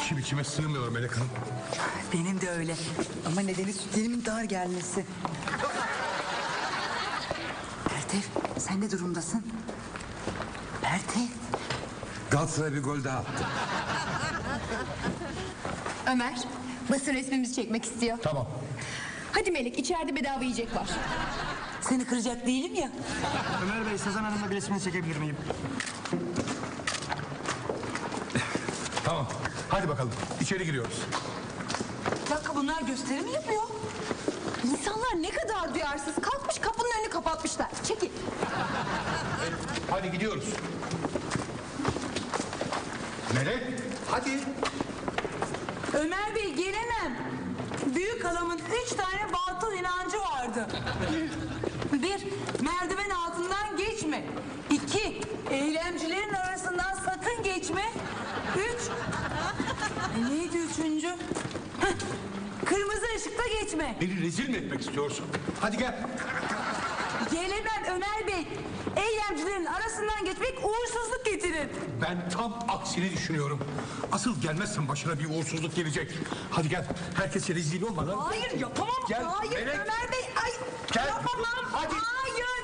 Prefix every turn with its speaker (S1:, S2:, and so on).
S1: İçim içime sığmıyor Melek Hanım.
S2: Benim de öyle. Ama nedeni sütlerimin dar gelmesi. Pertev, sen ne durumdasın? Pertev.
S1: Galatasaray bir gol daha attı.
S3: Ömer, basın resmimizi çekmek istiyor.
S1: Tamam.
S3: Hadi Melek, içeride bedava yiyecek var.
S2: Seni kıracak değilim ya.
S4: Ömer Bey, Sezen Hanım'la bir resmini çekebilir miyim?
S1: Tamam. Hadi bakalım. İçeri giriyoruz.
S2: Bir dakika, bunlar gösteri mi yapıyor?
S3: İnsanlar ne kadar duyarsız. Kalkmış kapının önünü kapatmışlar. Çekil.
S1: Hadi gidiyoruz. Melek, hadi.
S2: Ömer Bey, gelemem. Büyük halamın 3 tane batıl inancı vardı. 1, merdiven altından geçme. 2, eylemcilerin arasından sakın geçme. 3, neydi üçüncü? Heh, kırmızı ışıkta geçme.
S1: Beni rezil mi etmek istiyorsun? Hadi gel.
S2: Gelemem Ömer Bey. Eylemcilerin arasından geçmek uğursuzluk getirir.
S1: Ben tam aksini düşünüyorum. Asıl gelmezsen başına bir uğursuzluk gelecek. Hadi gel. Herkese rezil olmadan.
S2: Hayır, yapamam.
S1: Gel,
S2: Hayır
S1: Melek.
S2: Ömer Bey. Ay,
S1: Gel.
S2: yapamam.
S1: Hadi.
S2: Hayır.